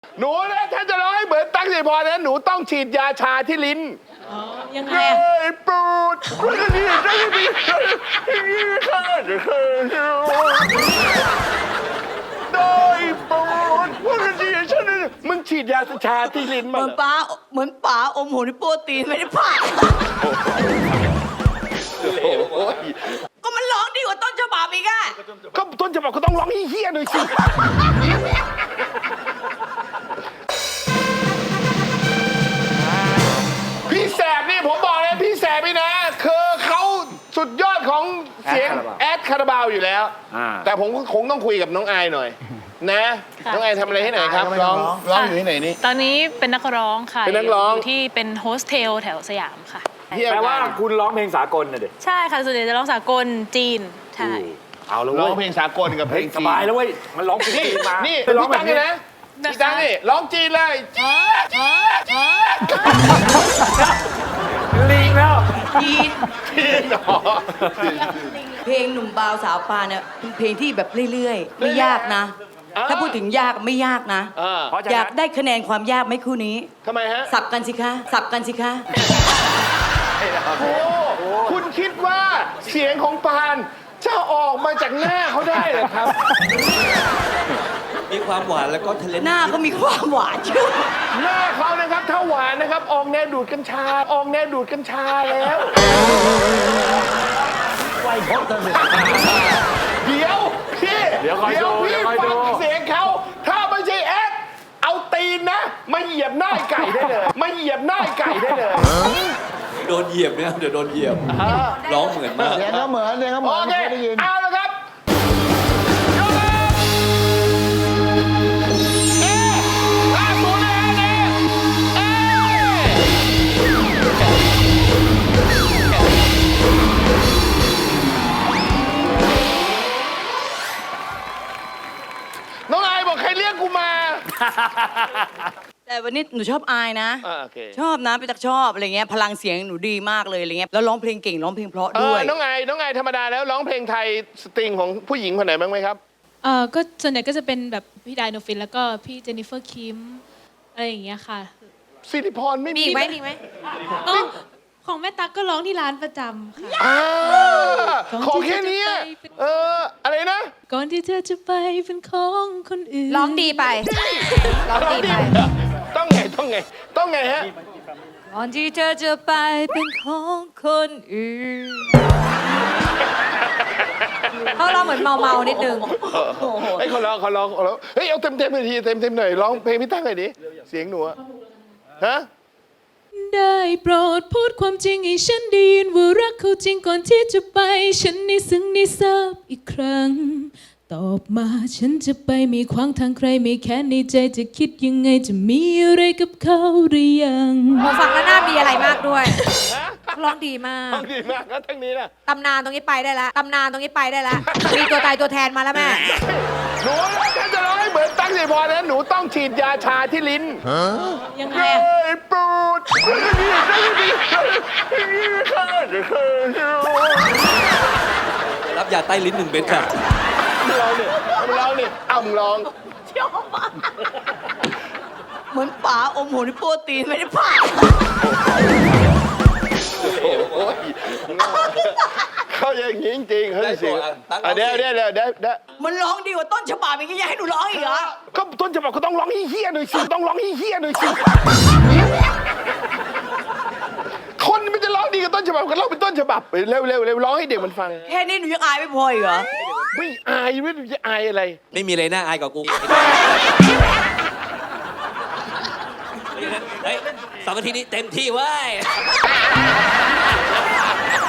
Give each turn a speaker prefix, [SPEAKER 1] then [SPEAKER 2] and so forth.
[SPEAKER 1] หนูนะถ้าจะร้องให้เหมือนตั๊กสิริพรนะหนูต้องฉีดยาชาที่ลิ้น
[SPEAKER 2] ยังไง
[SPEAKER 1] ได้โปรดได้ดีมึงฉีดยาชาที่ลิ้น
[SPEAKER 3] เห
[SPEAKER 1] มา
[SPEAKER 3] มือนป๋าอมหัวในโปรตีนไม่ได้ผ่าก็มันร้องดีกว่าต้นฉบับอีกอะ
[SPEAKER 1] ก็ต้นฉบับก็ต้องร้องเฮี้ยๆหน่อยสิพี่แสบนี่ผมบอกเลยพี่แสบนี่นะคือเขาสุดยอดของเสียงแอดคาราบาวอยู่แล้วแต่ผมคงต้องคุยกับน้องอายหน่อยนะน้องอายทำอะไรให้ไหนครับร้องอยู่ที่ไหนนี่
[SPEAKER 2] ตอนนี้เป็นนักร้องค่ะ
[SPEAKER 1] เป็นนักร้อง
[SPEAKER 2] ยู่ที่เป็นโฮสเทลแถวสยามค่ะ
[SPEAKER 4] แปลว่าคุณร้องเพลงสากลน่ะดิ
[SPEAKER 2] ใช่ค่ะส่วนใหญ่จะร้องสากลจีนใช่
[SPEAKER 4] เอาแล้ว
[SPEAKER 1] ร้
[SPEAKER 4] เว้
[SPEAKER 1] อง
[SPEAKER 4] ย
[SPEAKER 1] เพลงสากลกับเพลง
[SPEAKER 4] สบายแล้วเว้ยมันร้องเพลง
[SPEAKER 1] นี่
[SPEAKER 4] จีนมา
[SPEAKER 1] นี่
[SPEAKER 4] ร้อง
[SPEAKER 1] พี่
[SPEAKER 4] แบ
[SPEAKER 1] ตั๊
[SPEAKER 4] บ
[SPEAKER 1] ก
[SPEAKER 4] นี้
[SPEAKER 1] นี่นะพี่ตั๊กนี่ร้องจีนเลย
[SPEAKER 4] ลิงแล้ว
[SPEAKER 3] จีน
[SPEAKER 1] จีนเหรอ
[SPEAKER 3] เพลงหนุ่มบาวสาวปานเนี่ยเป็นเพลงที่แบบเรื่อยๆไม่ยากนะ ถ้าพูดถึงยากไม่ยากนะ
[SPEAKER 4] เพราะฉะ
[SPEAKER 3] อยา
[SPEAKER 4] นั้
[SPEAKER 3] ก
[SPEAKER 4] น
[SPEAKER 3] ได้คะแนนความยากไหมคู่นี้
[SPEAKER 1] ทำไมฮะ
[SPEAKER 3] สับกันสิคะสับกันสิคะ
[SPEAKER 1] โอ้คุณคิดว่าเสียงของปานจะออกมาจากหน้าเขาได้เหรอครับ
[SPEAKER 5] มีความหวานแล้วก็ทะเลน
[SPEAKER 3] หน้าก็มีความหวานเชื่อ
[SPEAKER 1] หน้าเขานะครับถ้าหวานนะครับออกแนวดูดกัญชาออกแนวดูดกัญชาแล้วไวพดเลยเดี๋ยวพี่
[SPEAKER 4] เดี๋ยวคอยดู
[SPEAKER 1] พี่
[SPEAKER 4] เดี๋ยวคอย
[SPEAKER 1] ฟั
[SPEAKER 4] ดู
[SPEAKER 1] งเสียงเขาถ้าไม่ใช่แอดเอาตีนนะมาเหยียบหน้าไก่ได้เลยมาเหยียบหน้าไก่ได้เลย
[SPEAKER 5] โดนเหยียบเนี่ยเดี๋ยวโดนเหยียบร้องเหมือนมาก
[SPEAKER 6] เสียงเขาเหมือนเสียงเขาเหมื
[SPEAKER 1] โอ
[SPEAKER 6] อน
[SPEAKER 1] เค
[SPEAKER 6] ไม่ได้ยิน
[SPEAKER 1] เอาละครับยกเลยเอ๊ะล่าสุดเลยฮะเนี่ยเอ๊ะน้องอายบอกใครเรียกกูมา
[SPEAKER 3] แต่วันนี้หนูชอบอายนะ
[SPEAKER 1] โอเค
[SPEAKER 3] ชอบนะพี่ตักชอบอะไรเงี้ยพลังเสียงหนูดีมากเลยอะไรเงี้ยแล้วร้องเพลงเก่งร้องเพลงเพราะด้วย
[SPEAKER 1] น้องอายธรรมดาแล้วร้องเพลงไทยสตริงของผู้หญิงคนไหนบ้างไหมครับ
[SPEAKER 7] ก็ส่วนใหญ่ก็จะเป็นแบบพี่ไดโนฟินแล้วก็พี่เจนนิเฟอร์คิมอะไรอย่างเงี้ยค่ะ
[SPEAKER 1] สิริพรไม่
[SPEAKER 3] มีอีกไหมมีอีกไหม
[SPEAKER 7] อ๋อของแม่ตั๊กก็ร้องที่ร้านประจำค่ะ
[SPEAKER 1] อ่าขอแค่เนี้ยอะไรนะ
[SPEAKER 7] ก่อนที่เธอจะไปเป็นของคนอื่น
[SPEAKER 8] ร้องดีไป ร้องดีไป
[SPEAKER 1] ต้องไงฮะ
[SPEAKER 8] ก่อนที่เธอจะไปเป็นของคนอื่นเขาร้องเหมือนเมาๆนิดนึง
[SPEAKER 1] ไอ้คนร้องเฮ้ยเอาเต็มเลยทีเต็มหน่อยร้องเพลงพี่ตั้งหน่อยดิเสียงหนูอะฮะ
[SPEAKER 7] ได้โปรดพูดความจริงให้ฉันได้ยินว่ารักเขาจริงก่อนที่จะไป ฉันได้ซึ้งได้ทราบอีกครั้ง ตอบมาฉันจะไปไม่ขวางทางใครไม่แค้นในใจจะคิดยังไงจะมีอะไรกับเขาหรือยัง
[SPEAKER 8] พอฟังแล้วน่ามีอะไรมากด้วย ร้องดีมาก
[SPEAKER 1] ฟังดีมากแล้วทั้งนี้นะ
[SPEAKER 8] ตำนานตรงนี้ไปได้แล้ว ตำนานตรงนี้ไปได้แล้ว มีตัวตายตัวแทนมาแล้วแม่
[SPEAKER 1] หนูนะถ้าจะร้องให้เหมือนตั้งสิริพรนะหนูต้องฉีดยาชาที่ลิ้น
[SPEAKER 7] ยังไง
[SPEAKER 1] ได้โปรด
[SPEAKER 5] รับยาใต้ลิ้น1 เม็ดค่ะ
[SPEAKER 1] เราเนี่ยมึงร้อง
[SPEAKER 3] เหมือนป๋าอมหัวในโปรตีนไม่ได้ผ่า
[SPEAKER 1] เขาอย่างนี้จริงๆเขาเสียงเดี๋ยว
[SPEAKER 3] มันร้องดีกว่าต้นฉบับอีกอยากให้หนูร้องอีกเหรอ
[SPEAKER 1] ก็ต้นฉบับก็ต้องร้องเฮี้ยๆหน่อยสิต้องร้องเฮี้ยๆหน่อยสิคนมันจะร้องดีกับต้นฉบับก็ร้องเป็นต้นฉบับเร็วร้องให้เด็กมันฟัง
[SPEAKER 3] แค่นี้หนูยังอายไม่พออีกเหรอ
[SPEAKER 1] ไม่อายไม่จะอายอะไร
[SPEAKER 5] ไม่มีอะไรน่าอายกว่ากูเฮ้ย2 นาทีนี้เต็มที่เว้ย